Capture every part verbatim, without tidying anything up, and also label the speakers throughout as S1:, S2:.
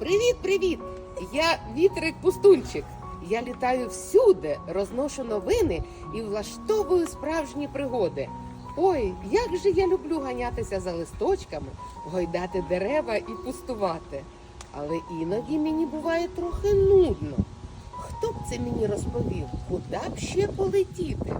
S1: Привіт-привіт! Я вітрик-пустунчик. Я літаю всюди, розношу новини і влаштовую справжні пригоди. Ой, як же я люблю ганятися за листочками, гойдати дерева і пустувати. Але іноді мені буває трохи нудно. Хто б це мені розповів, куди б ще полетіти?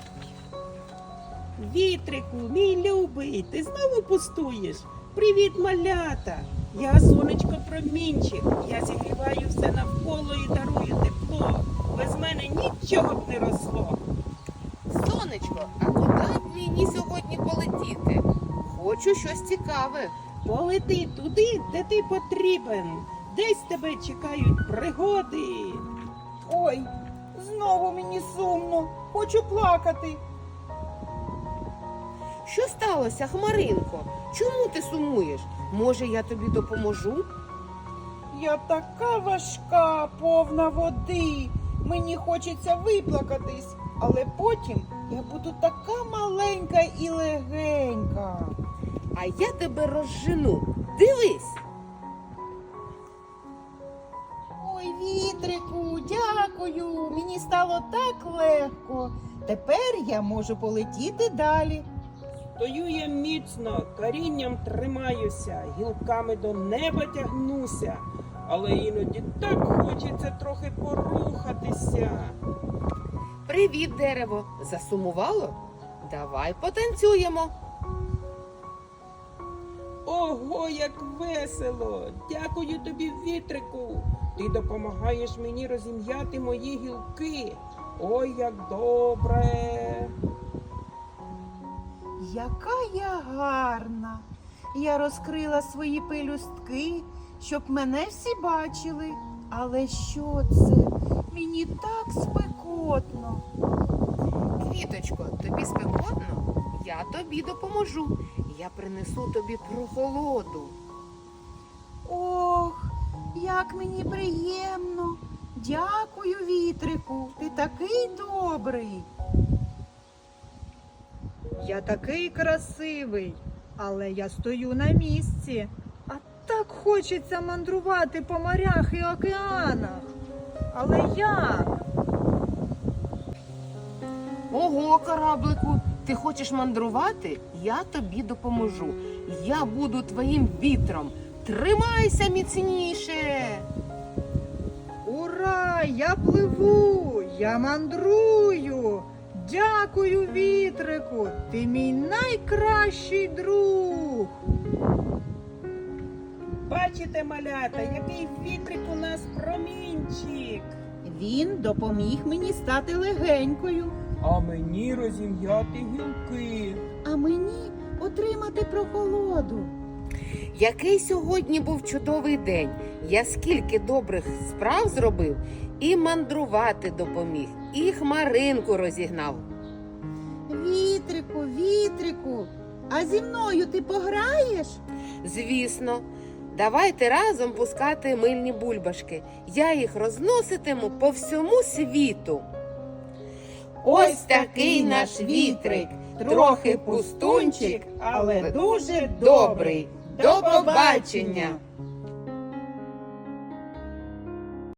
S2: Вітрику, мій любий, ти знову пустуєш? Привіт, малята! Я сонечко промінчик, я зігріваю все навколо і дарую тепло. Без мене нічого б не росло.
S1: Сонечко, а куди б мені сьогодні полетіти? Хочу щось цікаве.
S2: Полети туди, де ти потрібен. Десь тебе чекають пригоди.
S3: Ой, знову мені сумно, хочу плакати.
S1: Що сталося, Хмаринко? Чому ти сумуєш? Може, я тобі допоможу?
S3: Я така важка, повна води. Мені хочеться виплакатись, але потім я буду така маленька і легенька.
S1: А я тебе розжену. Дивись!
S3: Ой, вітрику, дякую. Мені стало так легко. Тепер я можу полетіти далі.
S2: Стою я міцно, корінням тримаюся, гілками до неба тягнуся. Але іноді так хочеться трохи порухатися.
S1: Привіт, дерево! Засумувало? Давай потанцюємо.
S2: Ого, як весело! Дякую тобі, вітрику! Ти допомагаєш мені розім'яти мої гілки. Ой, як добре!
S3: Яка я гарна. Я розкрила свої пелюстки, щоб мене всі бачили. Але що це? Мені так спекотно.
S1: Квіточко, тобі спекотно? Я тобі допоможу. Я принесу тобі прохолоду.
S3: Ох, як мені приємно. Дякую, вітрику. Ти такий добрий.
S4: Я такий красивий, але я стою на місці. А так хочеться мандрувати по морях і океанах. Але як?
S1: Ого, кораблику, ти хочеш мандрувати? Я тобі допоможу. Я буду твоїм вітром. Тримайся міцніше.
S4: Ура! Я пливу, я мандрую. Дякую, вітрику, ти мій найкращий друг.
S2: Бачите, малята, який вітрик у нас промінчик.
S3: Він допоміг мені стати легенькою,
S2: А мені розім'яти гілки.
S3: а мені отримати прохолоду.
S1: Який сьогодні був чудовий день. Я скільки добрих справ зробив, і мандрувати допоміг, і хмаринку розігнав.
S3: Вітрику, вітрику, а зі мною ти пограєш?
S1: Звісно, давайте разом пускати мильні бульбашки. Я їх розноситиму по всьому світу. Ось такий наш вітрик, трохи пустунчик, але дуже добрий. До побачення!